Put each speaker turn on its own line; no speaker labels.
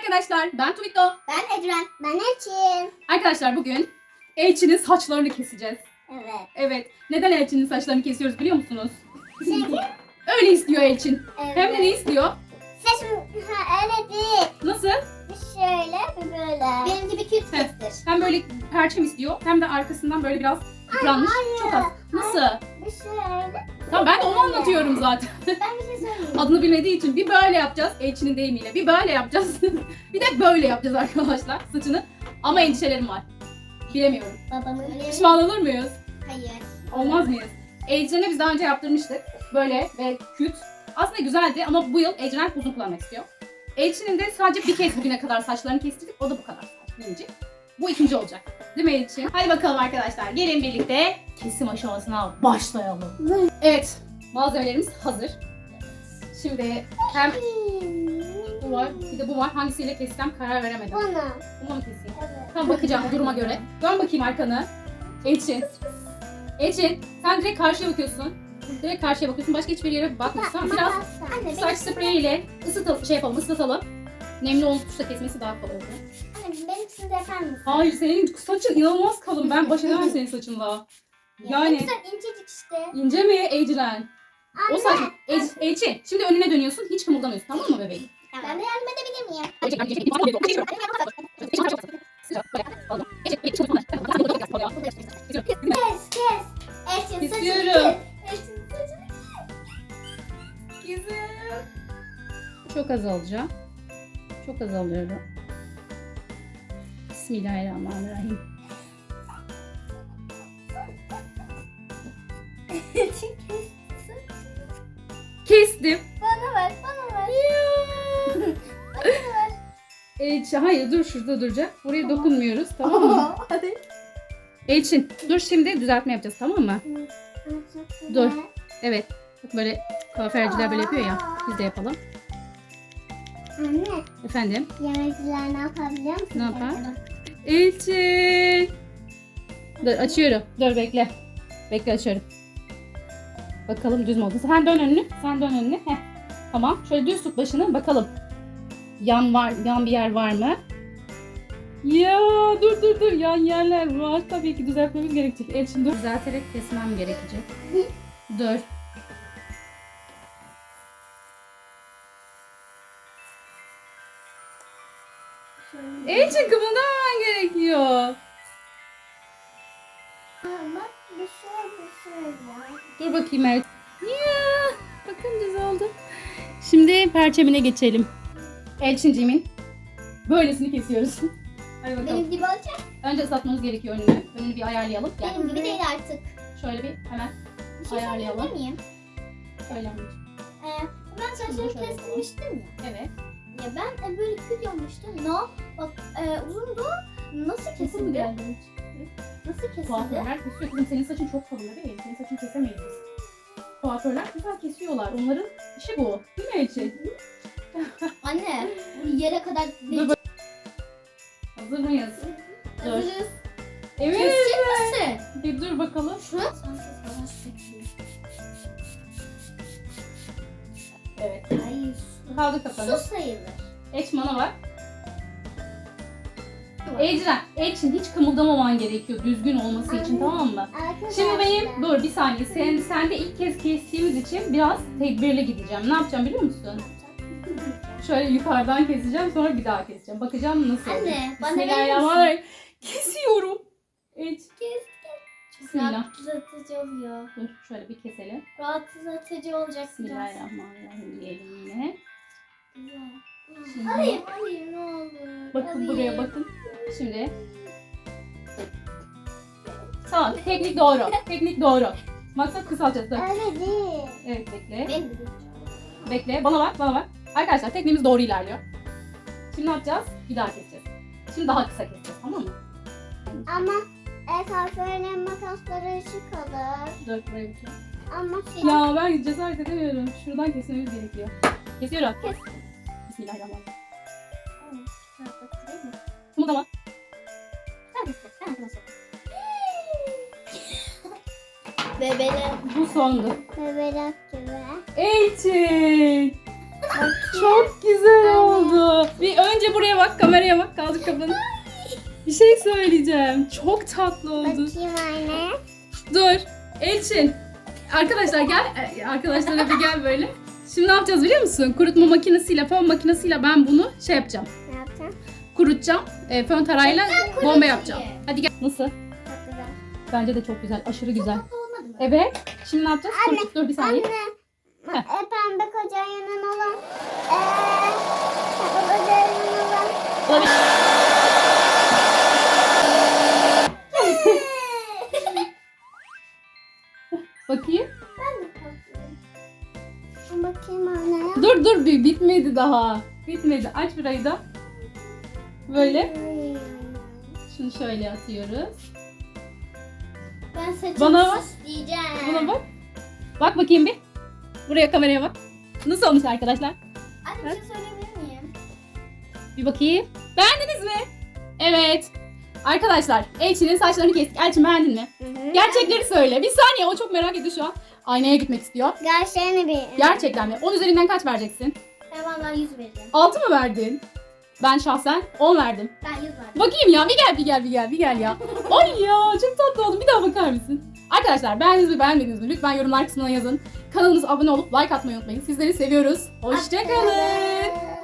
arkadaşlar, ben Tuvito.
Ben Ecren. Ben Elçin.
Arkadaşlar bugün Elçin'in saçlarını keseceğiz.
Evet.
Evet. Neden Elçin'in saçlarını kesiyoruz biliyor musunuz?
Çünkü
Öyle istiyor Elçin.
evet.
Hem de ne istiyor?
Saçım öyle değil.
Nasıl?
Bir şöyle bir böyle. Benim gibi küt küttür.
Hem böyle perçem istiyor hem de arkasından böyle biraz yıpranmış. Çok az. Nasıl?
Bir şöyle.
Tamam ben de onu anlatıyorum zaten.
Ben bir şey söyleyeyim.
Adını bilmediği için bir böyle yapacağız Elçin'in deyimiyle. Bir böyle yapacağız. Bir de böyle yapacağız arkadaşlar saçını. Ama endişelerim var. Bilemiyorum.
Babamın
Pişman olur muyuz?
Hayır.
Olmaz mıyız? Ecren'e biz daha önce yaptırmıştık. Böyle ve küt. Aslında güzeldi ama bu yıl Ecren uzun kullanmak istiyor. Elçin'in de sadece bir kez bugüne kadar saçlarını kestirdik. O da bu kadar saç birinci. Bu ikinci olacak. Değil mi Elçin? Hadi bakalım arkadaşlar. Gelin birlikte kesim aşamasına başlayalım. Evet. Malzemelerimiz hazır. Şimdi hem bu var bir de bu var. Hangisiyle kessem karar veremedim.
Bana.
Bunu mu keseyim?
Evet.
Tamam bakacağım duruma göre. Dön bakayım arkanı. Elçin. Elçin sen direkt karşıya bakıyorsun. Direkt karşıya bakıyorsun. Başka hiçbir yere bakmıyorsun. Tamam, biraz
Anne,
saç spreyiyle ıslatalım. Nemli olduğu tuşla kesmesi daha kolay oluyor.
Anne benimkisini de yapar mısın?
Hayır senin saçın inanılmaz kalın. Ben baş edemem senin saçınla.
Ne
Yani
güzel incecik işte.
ince mi Ecren? O
Anne.
saç. Elçin şimdi önüne dönüyorsun. Hiç kımıldamıyorsun tamam mı bebeğim?
Ben de yardım edebilir miyim? Kes. Elçin saçını
Kesiyorum.
kes. Elçin saçını
Çok az alacağım. Çok az alıyorum. Bismillahirrahmanirrahim.
Elçin kes.
Kestim.
Bana ver.
Hayır dur şurada duracak. Buraya dokunmuyoruz tamam mı?
Hadi.
Elçin dur şimdi düzeltme yapacağız tamam mı? Dur. Evet. Bak böyle kuaförcüler böyle yapıyor ya. Biz de yapalım.
Anne,
Efendim?
yemekçiler ne yapar biliyor musun?
Ne yapar? Elçin. Dur açıyorum. Dur bekle. Bekle açıyorum. Bakalım düz mü oldu? Sen dön önünü. Heh. Tamam. Şöyle düz tut başını bakalım. Yan bir yer var mı? Ya dur. Yan yerler var. Tabii ki düzeltmemiz gerekecek. Elçin dur. Düzelterek kesmem gerekecek. Dur. Elçin kımıldamaman gerekiyor.
Bak bir şey var.
Dur bakayım Elçin. Ya bakın düz oldu. Şimdi perçemine geçelim. Elçinciğimin böylesini kesiyoruz. Hadi bakalım.
Benim gibi olacak.
Önce ıslatmamız gerekiyor önünü. Önünü bir ayarlayalım. Gel.
Benim gibi değil artık.
Şöyle bir hemen
Bir şey
ayarlayalım.
söyleyebilir miyim?
Şöyle anneciğim.
Ben saçlarımı
Şöyle
kestirmiştim ya.
Evet.
Ya ben böyle küt yapmıştım. No. Bak uzundu. Nasıl
Kesin mi
kesildi?
geldi?
Nasıl kesildi?
Kuaförler kesiyor. Kızım senin saçın çok kalın değil. Senin saçını kesemeyiz biz. Kuaförler güzel kesiyorlar. Onların işi bu. Değil mi Elçin?
Anne, bu yere kadar
Dur bak- Hazır mıyız? Dur.
hazırız.
Evet.
Kesecek misin?
Bir dur bakalım.
Şu an sensiz falan çekiyor.
Evet.
Hayır.
Kaldı kafanı.
Su sayılır.
Elçin bana bak. Elçin hiç kımıldamaman gerekiyor düzgün olması için tamam mı? Şimdi benim dur bir saniye sen de ilk kez kestiğimiz için biraz tedbirli gideceğim. Ne yapacağım biliyor musun? Şöyle yukarıdan keseceğim sonra bir daha keseceğim. Bakacağım nasıl oluyor.
Anne, bana verir
Bismillahirrahmanirrahim. Kesiyorum. Elçin. Bismillah.
Rahatlatıcı oluyor.
Dur şöyle bir keselim.
Rahatlatıcı olacak biraz.
Bismillahirrahmanirrahim diyelim yine.
Güzel.
Şimdi
Hayır ne olur.
bakın
Hayır.
buraya bakın. Şimdi tamam teknik doğru. Maksat kısaltacağız. Dur.
Öyle değil.
Evet bekle.
Benim de.
Bekle. Bana bak. Arkadaşlar tekniğimiz doğru ilerliyor. Şimdi ne yapacağız? Bir daha keseceğiz. Şimdi daha kısa keseceğiz tamam mı?
Ama kuaförlerin makasları ışık alır.
Dur buraya bir şey.
Ama
Ya ben cesaret edemiyorum. Şuradan kesmemiz gerekiyor. Kesiyorum.
Kes.
Bismillahirrahmanirrahim.
Rahatlatıcı değil mi?
Kımıldama.
Ben arkadaşlar. Bebele.
Bu sondu.
Bebelek gibi.
Elçin. Çok güzel oldu. Bir önce buraya kameraya bak, kameraya bak. Kaldır kafanı. Bir şey söyleyeceğim. Çok tatlı oldu.
Bakayım anne.
Dur. Elçin. Arkadaşlar gel. Arkadaşlara bir gel böyle. Şimdi ne yapacağız biliyor musun? Kurutma makinesiyle, fön makinesiyle ben bunu şey yapacağım.
Ne yapacağım?
Kurutacağım. Fön tarağıyla bomba yapacağım. Hadi gel. Nasıl?
Çok güzel.
Bence de çok güzel. Aşırı güzel.
Tatlı olmadı mı?
Evet. Şimdi ne yapacağız?
Anne,
Kurut, dur bir saniye. Heh.
Pembe kocanın olan. Pembe kocanın olan.
Olabilir. Bakayım.
Ben de tatlıyım. Bakayım anne ya.
Dur bitmedi daha. Bitmedi. Aç burayı da. Böyle. Şunu şöyle atıyoruz.
Ben saçımı
Bana bak.
süsleyeceğim.
Buna bak. Bak bakayım bir. Buraya kameraya bak. Nasıl olmuş arkadaşlar?
Anne bir şey söyleyebilir miyim?
Bir bakayım. Beğendiniz mi? Evet. Arkadaşlar Elçin'in saçlarını kestik. Elçin beğendin mi? Gerçekleri söyle. Bir saniye, o çok merak ediyor şu an. Aynaya gitmek istiyor.
Gerçeğini bir.
Gerçekten mi? 10 üzerinden kaç vereceksin?
Ben vallahi 100 vereceğim.
6 mı verdin? Ben şahsen 10 verdim.
Ben 100 verdim.
Bakayım ya, bir gel ya. Ay ya, çok tatlı oldum. Bir daha bakar mısın? Arkadaşlar beğendiniz mi beğenmediniz mi? Lütfen yorumlar kısmına yazın. Kanalımıza abone olup like atmayı unutmayın. Sizleri seviyoruz. Hoşçakalın.